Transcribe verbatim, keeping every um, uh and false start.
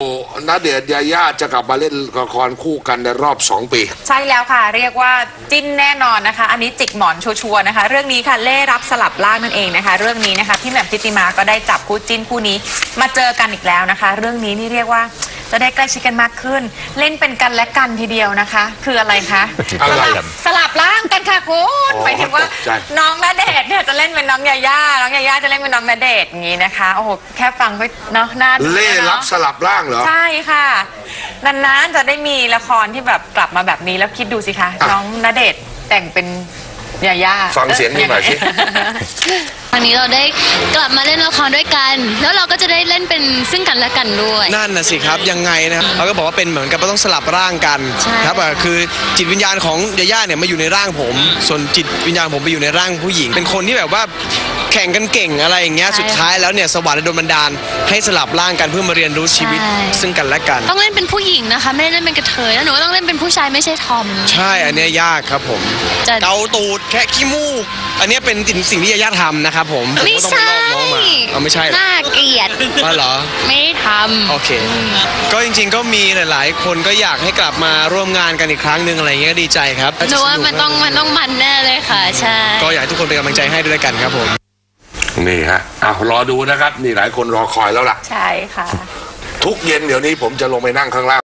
ณเดชน์ยาย่าจะกลับมาเล่นละครคู่กันในรอบสองปีใช่แล้วค่ะเรียกว่าจิ้นแน่นอนนะคะอันนี้จิกหมอนชัวร์ๆนะคะเรื่องนี้ค่ะเล่รับสลับล่างนั่นเองนะคะเรื่องนี้นะคะพี่แหม่มทิติมาก็ได้จับคู่จิ้นคู่นี้มาเจอกันอีกแล้วนะคะเรื่องนี้นี่เรียกว่าจะได้ใกล้ชิดกันมากขึ้นเล่นเป็นกันและกันทีเดียวนะคะคืออะไรคะสลับสลับร่างกันค่ะคุณหมายถึงว่าน้องณเดชน์เนี่ยจะเล่นเป็นน้องยาย่าน้องยาย่าจะเล่นเป็นน้องณเดชน์อย่างนี้นะคะโอ้โหแค่ฟังก็เนาะน่าดูเล่รับสลับร่างเหรอใช่ค่ะนานๆจะได้มีละครที่แบบกลับมาแบบนี้แล้วคิดดูสิคะน้องณเดชน์แต่งเป็นยาย่าฟังเสียงนี่หน่อยสิครั้งนี้เราได้กลับมาเล่นละครด้วยกันแล้วเราก็จะได้เล่นเป็นซึ่งกันและกันด้วยนั่นน่ะสิครับยังไงนะครับเขาก็บอกว่าเป็นเหมือนกับต้องสลับร่างกันครับคือจิตวิญญาณของยาย่าเนี่ยมาอยู่ในร่างผมส่วนจิตวิญญาณผมไปอยู่ในร่างผู้หญิงเป็นคนที่แบบว่าแข่งกันเก่งอะไรอย่างเงี้ยสุดท้ายแล้วเนี่ยสวรรค์โดนบันดาลให้สลับร่างกันเพื่อมาเรียนรู้ชีวิตซึ่งกันและกันต้องเล่นเป็นผู้หญิงนะคะไม่ได้เล่นเป็นกระเทยแล้วหนูก็ต้องเล่นเป็นผู้ชายไม่ใช่ทอมใช่อันนี้ยากครับผมเกาตูดแค่ขี้มูกอันนี้เป็นสิ่งที่ยาย่าทำนะครับผมไม่ใช่เอาไม่ใช่น่าเกลียดอ๋อเหรอไม่ทำโอเคก็จริงๆก็มีหลายๆคนก็อยากให้กลับมาร่วมงานกันอีกครั้งหนึ่งอะไรเงี้ยดีใจครับหนูว่ามันต้องมันต้องมันแน่เลยค่ะใช่ก็อยากให้ทุกคนเป็นกำลังใจให้ด้วยกันครับผมนี่ฮะอ้าวรอดูนะครับนี่หลายคนรอคอยแล้วล่ะใช่ค่ะทุกเย็นเดี๋ยวนี้ผมจะลงไปนั่งข้างล่าง